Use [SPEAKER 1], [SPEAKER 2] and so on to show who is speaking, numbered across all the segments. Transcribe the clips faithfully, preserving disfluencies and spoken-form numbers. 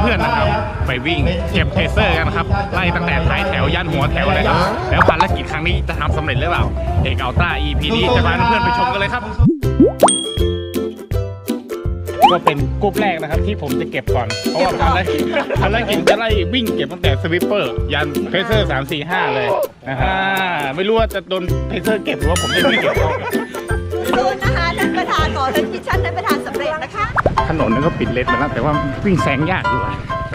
[SPEAKER 1] พื่อนๆนะครับไปวิ่งเก็บเพเซอร์กันครับไล่ตั้งแต่ท้ายแถวยันหัวแถวเลยครับแล้วภารกิจครั้งนี้จะทำสำเร็จหรือเปล่าเอกอัลต้า อี พี นี้จะพาเพื่อนๆไปชมกันเลยครับก็เป็นกรุ๊ปแรกนะครับที่ผมจะเก็บก่อนเพราะว่าภารกิจภารกิจจะไล่วิ่งเก็บตั้งแต่สวิปเปอร์ยันเพเซอร์สามสี่ห้าเลยนะฮะไม่รู้ว่าจะโดนเพเซอร์เก็บหรือว่าผมจะไม่เก็บ
[SPEAKER 2] ดูนะคะท่านประธานขอท่านมิชชั่นท่านประธานสำเร็จนะคะ
[SPEAKER 1] ถนนนั้นก็ปิดเลนไปแล้วแต่ว่าวิ่งแซงยากอยู่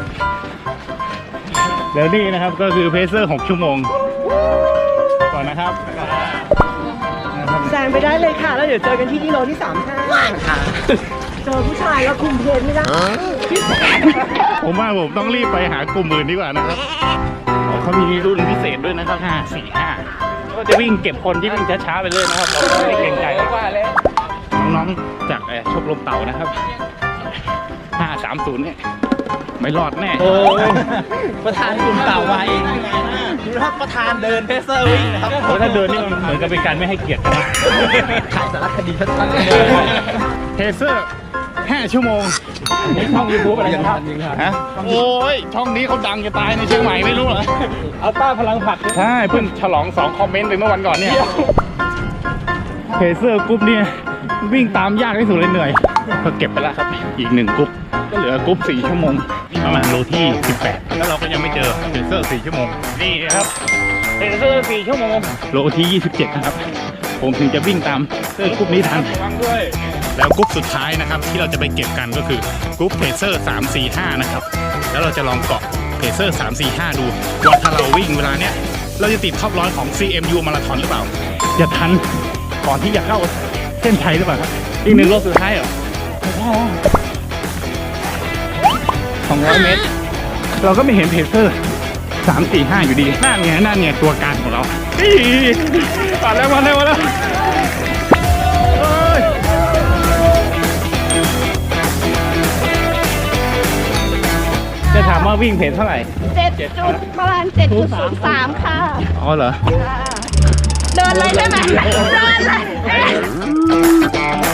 [SPEAKER 1] เดี๋ยวนี้นะครับก็คือเพเซอร์หกชั่วโมงก่อนนะครับ
[SPEAKER 3] แซงไปได้เลยค่ะแล้วเดี๋ยวเจอกันที่กิโลที่สามห้าค่ะเจอผู้ชายแล้วคุมเพลนไม่ได้
[SPEAKER 1] ผมว่าผมต้องรีบไปหากลุ่มอื่นดีกว่านะครับเขามีรุ่นพิเศษด้วยนะครับห้าสี่ห้าก็จะวิ่งเก็บคนที่วิ่งช้าๆไปเลยนะครับเราไม่เกรงใจน้องๆจากชมรมเต่านะครับห้าสามศูนย์เนี่ยไม่รอดแน่
[SPEAKER 3] โอ้ประธานกลุ่มเต่ามาเองดูนะครับประธานเดินเพเซอร์วิ่งนะครับ
[SPEAKER 1] โอ้ถ้าเดินนี่มันเหมือนกับเป็นการไม่ให้เกียรตินะ
[SPEAKER 3] ถ่ายสารคดีชัดๆเลย
[SPEAKER 1] เพเซอร์ห้าชั่วโมง
[SPEAKER 3] นี่ช่องยูทูบอะไรนะครับ
[SPEAKER 1] ฮะโอ้ยช่องนี้เขาดังจะตายในเชียงใหม่ไม่รู้เหรอ
[SPEAKER 3] อัลต้าพลังผัก
[SPEAKER 1] ใช่เพิ่งฉลองสองคอมเมนต์ไปเมื่อวันก่อนเนี่ยเพเซอร์กรุ๊ปเนี่ยวิ่งตามยากที่สุดเลยเหนื่อยก็เก็บไปแล้วครับอีกหนึ่งกรุ๊ปก็เหลือกรุ๊ปสี่ชั่วโมงประมาณโลที่สิบแปดแล้วเราก็ยังไม่เจอเพเซอร์สี่ชั่วโมงนี่ครับเพเซอร์สี่ชั่วโมงโลที่ยี่สิบเจ็ดนะครับผมถึงจะวิ่งตามเซอร์กรุ๊ปนี้ทันแล้วกรุ๊ปสุดท้ายนะครับที่เราจะไปเก็บกันก็คือกรุ๊ปเพเซอร์สามสี่ห้านะครับแล้วเราจะลองเกาะเพเซอร์สามสี่ห้าดูว่าถ้าเราวิ่งเวลาเนี้ยเราจะติดท็อปร้อยของ ซี เอ็ม ยู มาราธอนหรือเปล่าจะทันก่อนที่จะเข้าเส้นชัยหรือเปล่าครับอีกหนึ่งโลสุดท้ายเหรอสองร้อยเมตรเราก็ไม่เห็นเพเซอร์สามสี่ห้าอยู่ดีนั่นไงนั่นไงตัวการของเรามาแล้วมาแล้วมาแล้วจะถามว่าวิ่งเพจเท่าไหร่
[SPEAKER 2] เจ็ดจุดประมาณเจ็ดจุดศูนย์สามค่ะ
[SPEAKER 1] อ๋อเหรอ
[SPEAKER 2] เดินเลยได้ไหมเดินเลย